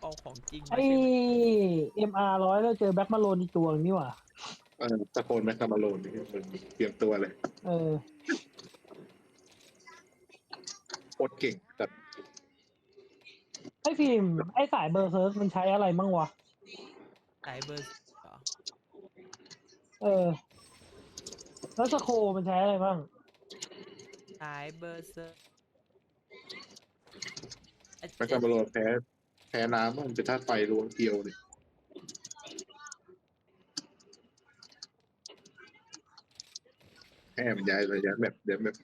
เอาของจริงมาไอ้ใช่ไหม MR100แล้วเจอแบ็คมาโลนอีกตัวนี่หว่าตะโกนแมคคามาโลนนี่มันเตรียมตัวเลยอโคตรเก่งแต่ไอ้ฟิล์มไอ้สายเบอร์เซิร์กมันใช้อะไรมั่งวะสายเบอร์เหรอแล้วสโคมันใช้อะไรบ้างสายเบอร์เซอร์แมคคามาโลนแพ้น้ำมันจะธาตุไฟรวงเดียวเลยแค่มันย้ายระยะแบบเดี๋ยวแบบ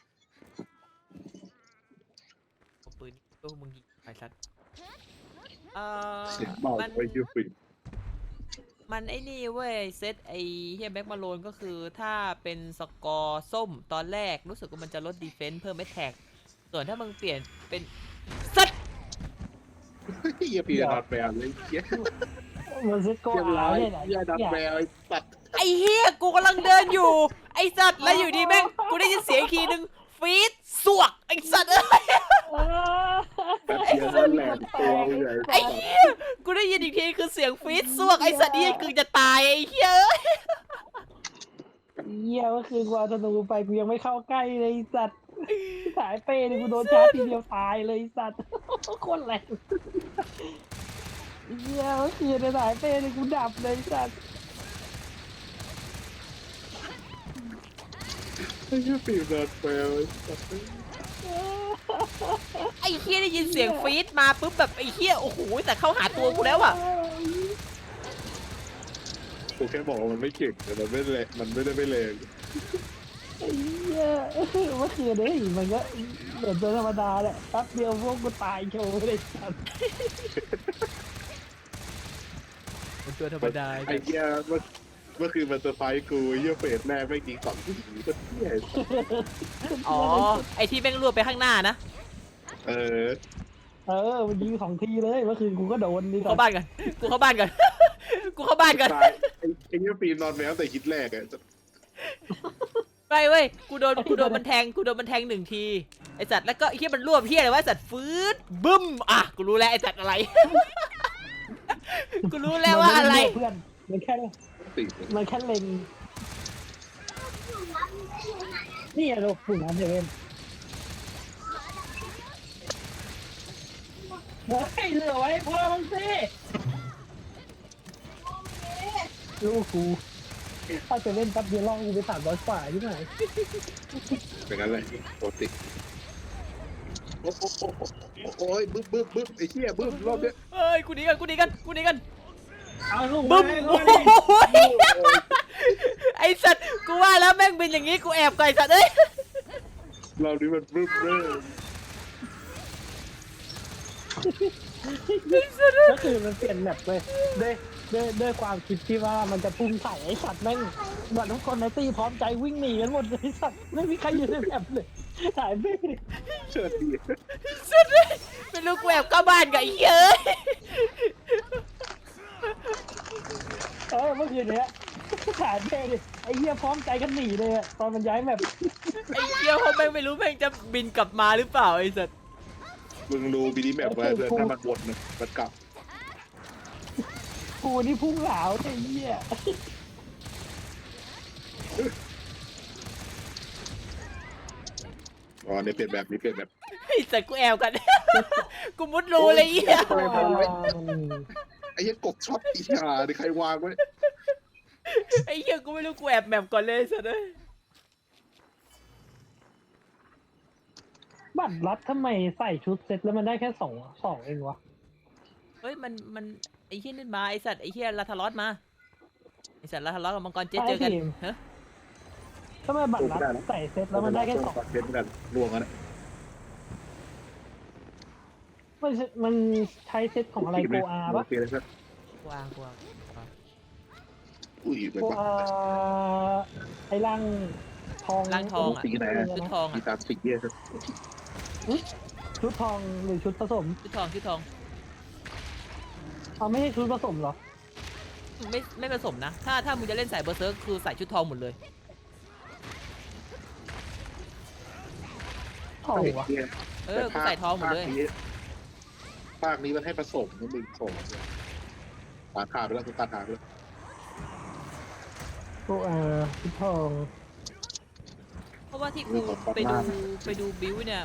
เอาปืนพวกมึงยิงไปสัตว์เสียงเบามันไปยืดฟินมันไอ้นี่เว้ยเซตไอ้เฮียแบ็กมาโลนก็คือถ้าเป็นสกอร์ส้มตอนแรกรู้สึกว่ามันจะลดดีเฟนส์เพิ่มแอตแทกส่วนถ้ามึงเปลี่ยนเป็นสัตว์เฮียปีดัดแบลเลยเฮียมันซิโก้เรียบอาร้อยเนี่ยนะเฮียดัดแบลไอ้สัตว์ไอ้เฮียกูกำลังเดินอยู่ไอ้สัตว์แล้วอยู่ดีแม่งกูได้ยินเสียงอีกทีนึงฟีดสวกไอ้สัตว์เอ้ยแบบเดียวนั่นแหละตัวใหญ่ไอ้เหี้ยกูได้ยินอีกทีคือเสียงฟีดสวกไอ้สัตว์นี่คือจะตายไอ้เหี้ยเอ้ยเหี้ยเมื่อคืนกูเอาธนูไปกูยังไม่เข้าใกล้เลยไอ้สัตว์สายเปย์นี่กูโดนชาร์จทีเดียวตายเลยไอ้สัตว์โคตรแรงเหี้ยเมื่อคืนในสายเปย์นี่กูดับเลยไอ้สัตว์เฮียปีดัดแบลไอ้สัตว์ไอ้เหี้ยได้ยินเสียงฟีดมาปุ๊บแบบไอ้เหี้ยโอ้โหแต่เข้าหาตัวกูแล้วอะกูแค่บอกว่ามันไม่เก่งแต่มันไม่แรงมันไม่ได้ไม่แรงไอ้เหี้ยเมื่อคืนเนี่ยมันก็เหมือนตัวธรรมดาแหละแป๊บเดียวพวกกูตายโชว์เลยสัตว์เป็นตัวธรรมดาไอ้เฮียเมื่อคืนมันเซอร์ไพรส์กูเฮียเฟสแรกไม่ยิง2 ทีก็เฮียอ๋อไอ้ที่แม่งรวบไปข้างหน้านะเออมันยิง2 ทีเลยเมื่อคืนกูก็โดนนี่เข้าบ้านกันกูเข้าบ้านกัน กูเข้าบ้านกันตายไอ้เฮียปีนอนแมวแต่ฮิตแรกอะไม่เว้ยกูโดนมันแทงหนึ่งทีไอ้สัตว์แล้วก็ไอ้เหี้ยมันรวบเหี้ยอะไรวะไอ้สัตว์ฟืดบึ้มอ่ะกูรู้แล้วไอ้สัตว์อะไร กูรู้แล้วว่าอะไรเพื่อนมันแค่ติดมันแค่เล็งนี่อะลูกฝุ่นอันเดเวนเฮ้ยเหลือไว้พ่อมึงสิลูกกูถ้าจะเล่นแป๊บเดียวล่องกูไป300 กว่าใช่ไหมเป็นงั้นเลยปกติโอ้ยบึ้มไอ้เหี้ยบึ้มรอบเนี้ยเอ้ยกูหนีกันเอาลูกบึ้มมาโอ้โหไอสัตว์กูว่าแล้วแม่งเป็นอย่างงี้กูแอบก่อนไอ้สัตว์เอ้ยรอบนี้มันบึ้มเลยก็คือมันเปลี่ยนแมปเลยด้วยความคิดที่ว่ามันจะพุ่งใส่ไอ้สัตว์แม่งหมดทุกคนในตีพร้อมใจวิ่งหนีกันหมดเลยไอ้สัตว์ไม่มีใครอยู่ในแมปเลยหายไปเชิดดีสัตว์เอ้ยไม่รู้กูแอบเข้าบ้านกับไอ้เหี้ยเอ้ยเมื่อคืนเนี้ยหายไปดิไอ้เหี้ยพร้อมใจกันหนีเลยอะตอนมันย้ายแมปไอ้เหี้ยเขาแม่งไม่รู้แม่งจะบินกลับมาหรือเปล่าไอ้สัตว์มึงดูบีดีแมปไว้เลยถ้ามันวนมันกลับกูนี่พุ่งเหลาไอ้เหี้ยอ๋อเนี่ยเปลี่ยนแบบนี้เปลี่ยนแบบไอ้สัตว์กูแอบกัน กูมุดรูเลยไอ้เหี้ยไอ้เหี้ยกบช็อตอีห่าดิใครวางไว้ไอ้เหี้ยกูไม่รู้กูแอบแมปก่อนเลยไอ้สัตว์เอ้ยบัตรรัดทำไมใส่ชุดเซ็ตแล้วมันได้แค่สองเองวะเฮ้ยมันไอ้เหี้ยนี่มาไอ้สัตว์ไอ้เหี้ยลาทารอสมาไอ้สัตว์ลาทารอสกับมังกรเจเจอกันฮะทำไมบัตรรัดใส่เซ็ตแล้วมันได้แค่2 เซ็ตกันรวมกันมันใช้เซ็ตของอะไรโกอาปะเปลี่ยนอะไรสักกวางอุ้ยไปโกปะอาไอ้ร่างทองร่างทองอ่ะสีไหนชุดทองมีอ่ะตามสีเนี่ยสักชุดทองหรือชุดผสมชุดทองไม่ใช่ชุดผสมเหรอไม่ผสมนะ ถ้ามึงจะเล่นสายเบอร์เซิร์กคือใส่ชุดทองหมดเลยทองวะเออกูใส่ทองหมดเลยภาคนี้มันให้ผสมนะมึงส่งตัดขาดไปแล้วตัดขาดไปแล้วโกพิทองเพราะว่าที่กูไปดูบิวเนี่ย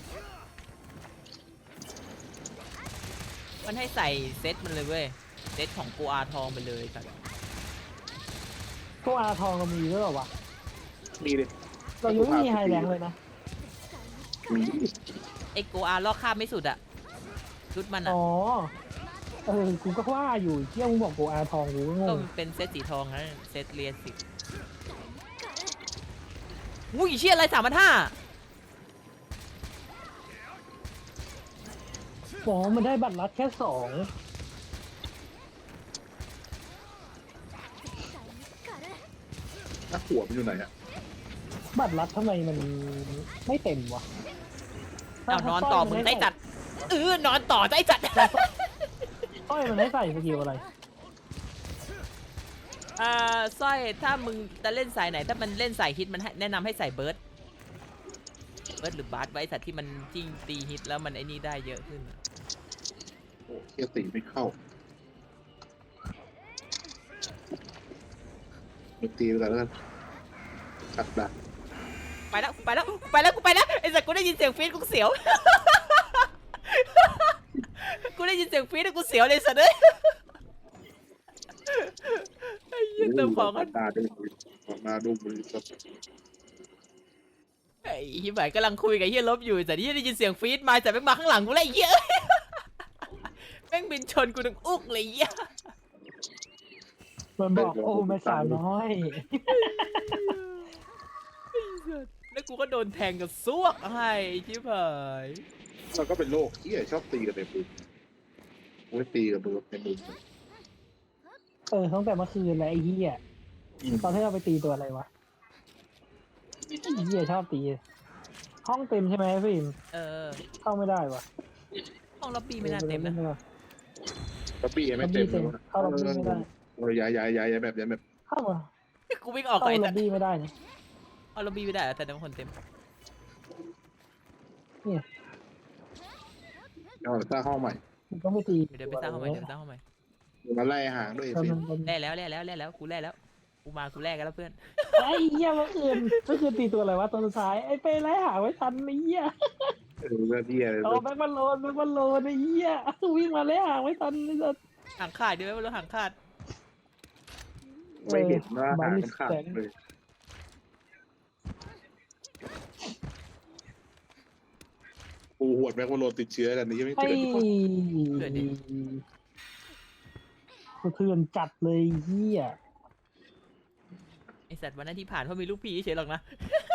มันให้ใส่เซตมันเลยเว้ยเซตของโกอาทองไปเลยครับโกทองเรามีด้วยเหรอวะมีดิเรายังไม่มีไฮแรงเลยนะมีไอโกอาลอกข้ามไม่สุดอะชุดมันอะอ๋อกูก็ว่าอยู่เที่ยมึงบอกโกทองกูก็งก็งมันเป็นเซตสีทองนะเซตเรียนสิอุ้ยเชี่ยอะไร3,500 บอกว่ามันได้บัตรลัดแค่2 ถ้าหัวมันอยู่ไหนอะบัตรลัดทำไมมันไม่เต็มวะเอานอนต่อมึงได้จัดนอนต่อได้จัดต้อยมันให้ใส่สกิลอะไรสร้อยถ้ามึงจะเล่นสายไหนถ้ามันเล่นสายฮิตมันแนะนำให้ใส่เบิร์ดหรือบาร์ดไว้สัตว์ที่มันจิ้งตีฮิตแล้วมันไอ้นี่ได้เยอะขึ้นอะโอ้เคียตีไม่เข้าไม่ตีไปแล้วกันขัดดักไปแล้วไอ้สัตว์กูได้ยินเสียงฟีดกูเสียว กูได้ยินเสียงฟีดกูเสียวเลยสัตว์เอ้ยไอ้เหี้ยเติมของกันมาดูมือครับไอ้เหี้ยบ่ายกำลังคุยกับเหี้ยลบอยู่แต่เหี้ยได้ยินเสียงฟีดมาแต่แม่งมาข้างหลังกูเลยไอ้เหี้ยแม่งบินชนกูถึงอุกเลยไอ้เหี้ยมันบอกโอ้แม่สาวน้อยแล้วกูก็โดนแทงกับซวกให้ชิบหายเราก็เป็นโรคที่ชอบตีกันในมือไม่ตีกับมือในมือตั้งแต่เมื่อคืนแล้วไอ้เหี้ยตอนที่เราไปตีตัวอะไรวะไอ้เหี้ยชอบตี ห้องเต็มใช่ไหมฟิล์ม เข้าไม่ได้วะห้องล็อบบี้ไม่น่าเต็มนะกระปี้ไม่เต็มเลยเข้าล็อบบี้ไม่ได้ย้ายแบบเข้ามากูวิ่งออกเข้าไอ้ล็แต่อบบี้ไม่ได้นะเอาล็อบบี้ไม่ได้เหรอแต่ทั้งคนเต็มเอาสร้างห้องใหม่มันต้องไปตีเดี๋ยวไปสร้างห้องใหม่มาไล่หางด้วยสิแล่แล้วกูแล่แล้วกูแลกกันแล้วเพื่อนไอ้เหี้ยเมื่อคืนตีตัวอะไรวะตัวสุดท้ายไอ้เป้ไล่หาไว้ทันไอ้เหี้ยเรื่องที่อะไรเอาแบ็คบอลโลนไอ้เหี้ยวิ่งมาไล่หาไว้ทันไอ้สัสหางขาดด้วยไม่รู้หางขาดไม่เห็นว่าหางมันขาดเลยปูหวดแม็กวาโลติดเชื้อกันนี่ยังไม่ไอ้เจอทุกคนสะเทือนจัดเลยเหี้ยไอสัตว์วันนั้นที่ผ่านเพราะมีลูกพี่เฉยหรอกนะ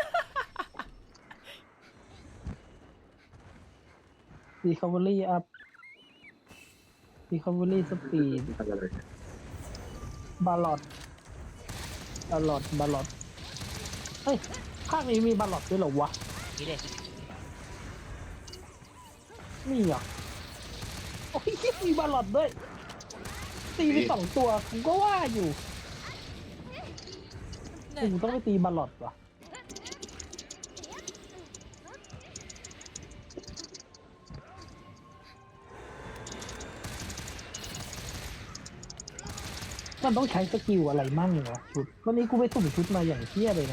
recovery up recovery speed อะไรบาลอดเฮ้ยภาคนี้มีบาลอดด้วยเหรอวะนี่เด็มีเหรอโอ้ยมีบาลอดด้วยตีไป2 ตัวผมก็ว่าอยู่กูต้องไปตีบาลอดวะมันต้องใช้สกิลอะไรมั่งวะชุดวันนี้กูไปสุ่มชุดมาอย่างเที่ยเลยนะ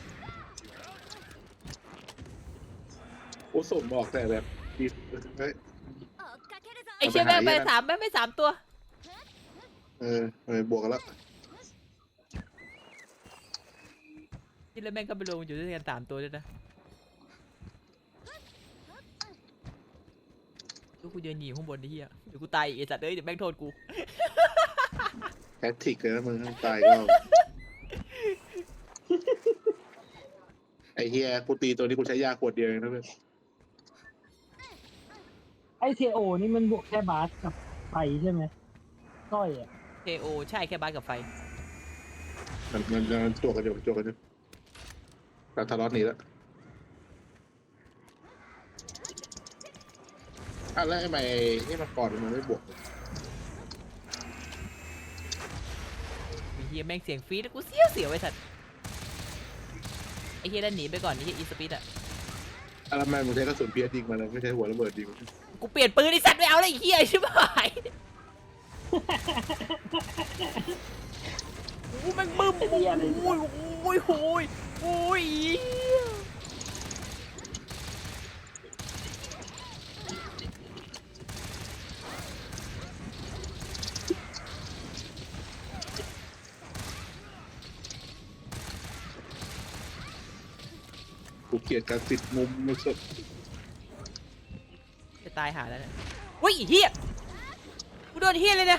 โอ้สมบอกแต่แบบดีเฮ้ยไอเชี่ยแม่งไป3ตัวบวกกันแล้วที่แล้วแม่งก็ไปลงอยู่ด้วยกัน3ตัวด้วยนะลูกกูเดินหนีข้างบนไอ้เหี้ยเดี๋ยวกูตายอีกไอ้สัตว์เอ้ยเดี๋ยวแม่งโทษกูแพทริกเลยนะมึงตายก็ไอเฮียกูตีตัวนี้กูใช้ยาขวดเดียวเองนะเพื่อนไอเทโอนี่มันบวกแค่บาสกับไฟใช่ไหมก้อยอ่ะ KO ใช่แค่บาสกับไฟมันตัวกันอยู่แต่ทะเลาะหนีแล้วแล้วทำไมนี่มันก่อนมันไม่บวกไอ้เฮียแม่งเสียงฟีดแล้วกูเสียวไอ้สัตว์ไอ้เฮียด้านหนีไปก่อนไอ้เฮียอีสปีดอะอะไรแม่งมึงใช้กระสุนเพียร์ยิงมาเลยไม่ใช่หัวระเบิดยิงกูเปลี่ยนปืนไอ้สัตว์ไม่เอาเลยไอ้เหี้ยใช่ไหมกูแม่งบึ้มโอ้ยโอ้ยโอ้ยโอ้ยกูเกลียดการติดมุมไม่สุดจะตายหาแล้วเนี่ยเฮ้ยไอ้เหี้ยกูโดนเหี้ยเลยเนี่ย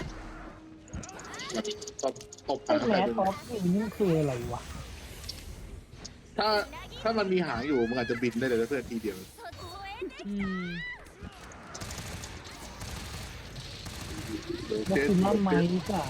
ตบตบไอ้หางแมใครสเป็นออฟนี่มันคืออะไรวะถ้ามันมีหางอยู่มึงอาจจะบินได้เลยนะเพื่อนทีเดียวอืมแม็กซิมัมไม้ที่3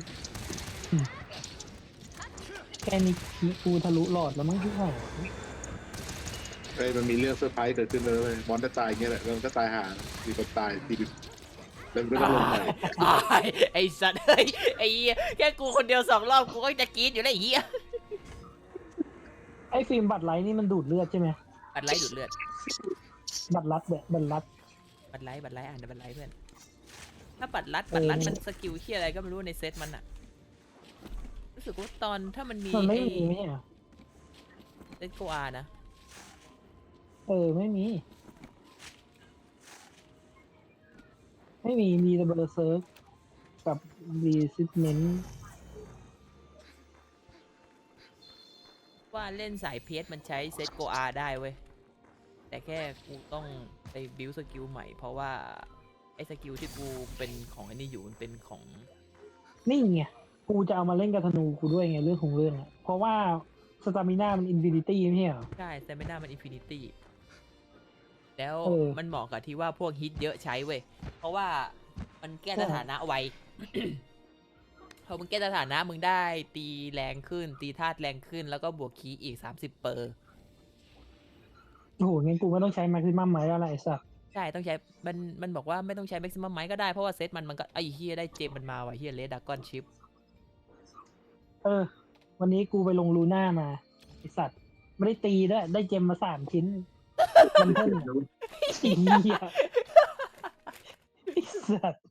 แค่นี้กูทะลุหลอดแล้วมั้งที่ไหนเฮ้ยมันมีเรื่องเซอร์ไพรส์เกิดขึ้นเลยเว้ยมอนจะตายอย่างเงี้ยแหละแล้วมันก็ตายหามีคนตายทีนึงแล้วมันก็ต้องลงใหม่ไอ้สัตว์เฮ้ยไอ้เหี้ยแค่กูคนเดียว2 รอบกูก็จะกรี๊ดอยู่แล้วไอ้เหี้ยไอ้ฟิล์มบัตรไลท์นี่มันดูดเลือดใช่ไหมบัตรไลท์ดูดเลือดบัตรลัดแบบบัตรลัดบัตรไลท์อ่านแต่บัตรไลท์เพื่อนถ้าบัตรลัดมันสกิลเหี้ยอะไรก็ไม่รู้ในเซตมันอะรู้สึกว่าตอนถ้ามันมีมันไม่ไอ้มีไหมอ่ะเซตโกอานะไม่มี ไม่มีมีแต่เบอร์เซิร์กกับรีซิสเมนต์ว่าเล่นสายเพชรมันใช้เซตโกอาได้เว้ยแต่แค่กูต้องไปบิวสกิลใหม่เพราะว่าไอ้สกิลที่กูเป็นของไอ้นี่อยู่มันเป็นของนี่ไงกูจะเอามาเล่นกับธนูกูด้วยไงเรื่องของเรื่องอ่ะเพราะว่าสตามิน่ามันอินฟินิตี้ไม่ใช่เหรอใช่แต่ไม่น่ามันอินฟินิตี้แล้วเออมันเหมาะกับที่ว่าพวกฮิตเยอะใช้เว้ยเพราะว่ามันแก้สถานะไว พอมึงแก้สถานะมึงได้ตีแรงขึ้น ตีธาตุแรงขึ้นแล้วก็บวกคีย์อีก30% โอ้โหงั้นกูไม่ต้องใช้แม็กซิมัมไม้แล้วแหละไอ้สัสใช่ต้องใช้มันบอกว่าไม่ต้องใช้แม็กซิมัมไม้ก็ได้เพราะว่าเซตมันก็ไอ้เฮียได้เจมมันมาว่ะเฮียเลดดากอนชิปวันนี้กูไปลงลูน่ามาไอ้สัตว์ไม่ได้ตีด้วยได้เจมมา3 ชิ้นมันเพิ่มไอ้เหี้ยไอ้สัตว์